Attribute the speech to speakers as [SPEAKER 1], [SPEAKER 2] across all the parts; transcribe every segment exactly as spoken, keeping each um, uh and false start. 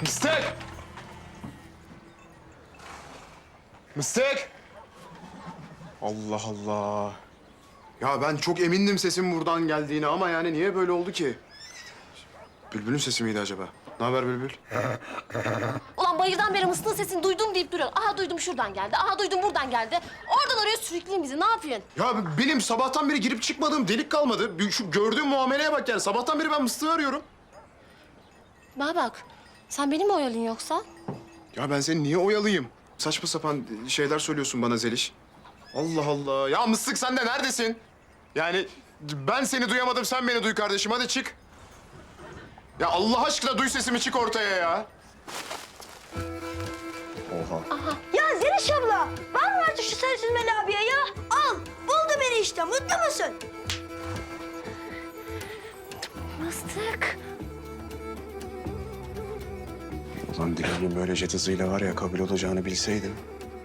[SPEAKER 1] Mıstık! Mıstık! Allah Allah. Ya ben çok emindim sesin buradan geldiğine ama yani niye böyle oldu ki? Bülbül'ün sesi miydi acaba? Ne haber Bülbül?
[SPEAKER 2] Ulan bayırdan beri mıstığın sesini duydum deyip duruyor. Aha duydum şuradan geldi, aha duydum buradan geldi. Oradan oraya sürükleyin bizi, ne yapıyorsun?
[SPEAKER 1] Ya benim sabahtan beri girip çıkmadığım delik kalmadı. Bir Şu gördüğüm muameleye bak yani. Sabahtan beri ben Mıstık'ı arıyorum.
[SPEAKER 2] Bana bak, sen beni mi oyalıyorsun yoksa?
[SPEAKER 1] Ya ben seni niye oyalayayım? Saçma sapan şeyler söylüyorsun bana Zeliş. Allah Allah. Ya Mıstık sen de neredesin? Yani ben seni duyamadım, sen beni duy kardeşim. Hadi çık. Ya Allah aşkına duy sesimi, çık ortaya ya. Oha.
[SPEAKER 3] Ya Zeliş abla, var mı artık şu Sarı Çizmeli abiye ya? Al, buldu beni işte. Mutlu musun?
[SPEAKER 2] Mıstık.
[SPEAKER 1] Ulan Dilan'ın böyle jet hızıyla var ya kabul olacağını bilseydim.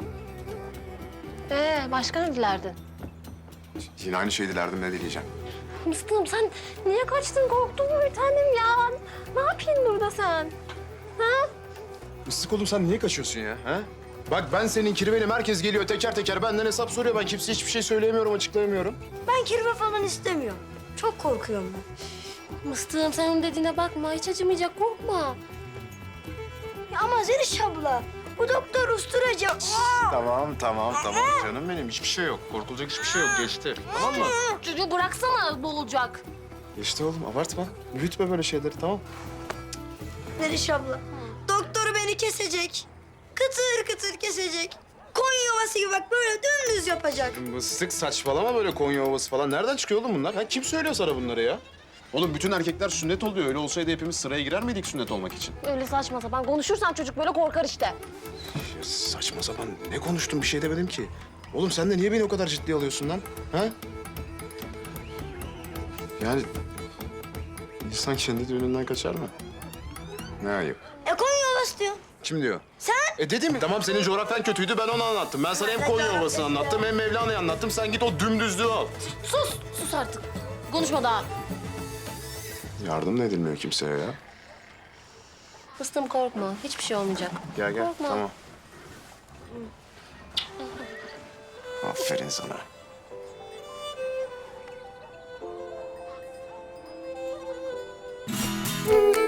[SPEAKER 2] Ee, başka ne dilerdin?
[SPEAKER 1] Yine aynı şeyi dilerdim, ne dileyeceğim.
[SPEAKER 2] Mıstığım sen niye kaçtın, korktun mu bir tanem ya? Ne yapıyorsun burada sen? Ha?
[SPEAKER 1] Mıstık oğlum sen niye kaçıyorsun ya? Ha? Bak ben senin kirvenim, herkes geliyor teker teker benden hesap soruyor. Ben kimseye hiçbir şey söyleyemiyorum, açıklayamıyorum.
[SPEAKER 3] Ben kirve falan istemiyorum. Çok korkuyorum ben.
[SPEAKER 2] Mıstığım sen onun dediğine bakma, hiç acımayacak, korkma.
[SPEAKER 3] Ya ama Zeliş abla, bu doktor usturacı. Aa!
[SPEAKER 1] Tamam tamam tamam canım benim, hiçbir şey yok. Korkulacak hiçbir şey yok, geçti. Tamam mı?
[SPEAKER 2] Çocuğu bıraksana, boğulacak.
[SPEAKER 1] Geçti oğlum, abartma. Büyütme böyle şeyleri, tamam.
[SPEAKER 3] Zeliş abla, doktoru beni kesecek. Kıtır kıtır kesecek. Koyun yuvası gibi bak böyle dümdüz yapacak.
[SPEAKER 1] Mıstık saçmalama, böyle Konya Ovası falan. Nereden çıkıyor oğlum bunlar? Ha, kim söylüyor sana bunları ya? Oğlum bütün erkekler sünnet oluyor. Öyle olsaydı hepimiz sıraya girer miydik sünnet olmak için?
[SPEAKER 2] Öyle saçma sapan konuşursan çocuk böyle korkar işte.
[SPEAKER 1] Ya saçma sapan ne konuştun, bir şey demedim ki. Oğlum sen de niye beni o kadar ciddiye alıyorsun lan? Ha? Yani insan kendi düğününden kaçar mı? Ne ayıp.
[SPEAKER 3] E koyun yuvası diyor.
[SPEAKER 1] Kim diyor?
[SPEAKER 3] Sen?
[SPEAKER 1] E dedim mi? Tamam senin coğrafyan kötüydü, ben onu anlattım. Ben sana hem Konya Ovası'nı anlattım hem Mevlana'yı anlattım. Sen git o dümdüzlüğü al.
[SPEAKER 2] Sus, sus artık. Konuşma daha.
[SPEAKER 1] Yardım da edilmiyor kimseye ya.
[SPEAKER 2] Fıstığım korkma, hiçbir şey olmayacak.
[SPEAKER 1] Gel gel,
[SPEAKER 2] Korkma.
[SPEAKER 1] tamam. Aferin sana.
[SPEAKER 3] Hı.